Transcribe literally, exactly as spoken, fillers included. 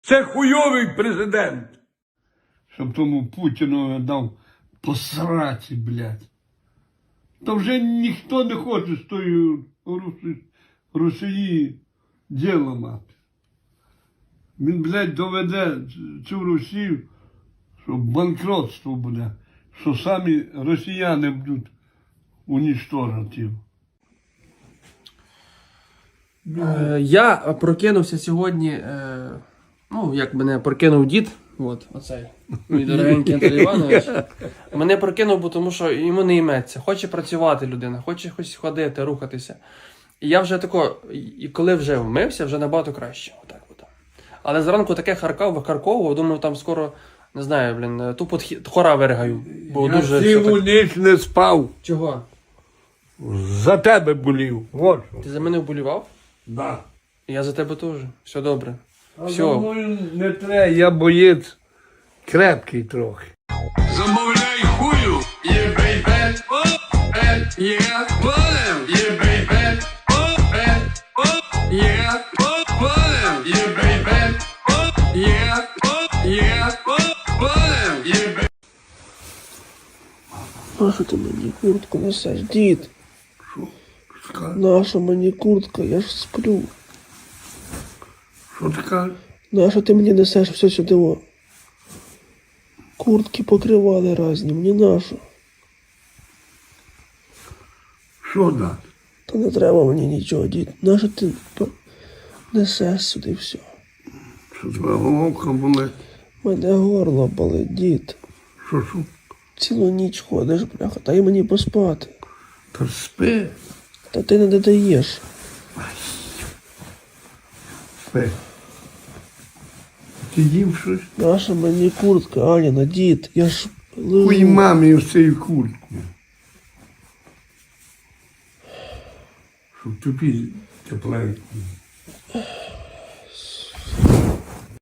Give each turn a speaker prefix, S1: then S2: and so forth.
S1: Це хуйовий президент.
S2: Щоб тому Путіну дав посраці, блядь. Та вже ніхто не хоче з тою Русі... Росії діло мати. Він, блядь, доведе цю Росію, що банкротство буде, що самі росіяни будуть унічтожити.
S3: Е, Я прокинувся сьогодні, е, ну, як мене прокинув дід, от, оцей, мій дорогенький Андрій Іванович. Мене прокинув, бо тому що йому не йметься. Хоче працювати людина, хоче хоч ходити, рухатися. І я вже тако, і коли вже вмився, вже набагато краще. Отак от. Але зранку таке харкав, викарковував, думав, там скоро, не знаю, блін, тупо тхі- хора виригаю. Бо
S1: Я
S3: дуже
S1: цілу
S3: все так...
S1: ніч не спав.
S3: Чого?
S1: За тебе болів. От що.
S3: Ти за мене вболівав?
S1: Да.
S3: Я за тебе теж. Все добре.
S1: А
S3: Все.
S1: за мною не треба, я боєць крепкий трохи.
S4: Замовляй хую, є бейбе, о, е, є, полем, є бейбе, о, е, о, є, о, полем, є бейбе, о, є, о, є, о, полем, є бейбе.
S5: Нащо ти мені куртку несеш, дід?
S1: Що,
S5: Наша мені куртка, я ж сплю.
S1: що ти кажеш?
S5: Нащо ти мені несеш все сюди? О? Куртки покривали разні, мені нащо?
S1: Що дати?
S5: Та не треба мені нічого, дід. Нащо ти п- несеш сюди все?
S1: Що твоя головка болить?
S5: Мене горло болить, дід.
S1: Що, що?
S5: Цілу ніч ходиш, бляха, дай мені поспати.
S1: Та спи.
S5: Та ти не додаєш.
S1: Спи. Ти їв щось?
S5: Наша мені куртка, Аніна, дід, я ж лежу.
S1: Хуй мамі в цю куртку. Щоб тобі тепленько.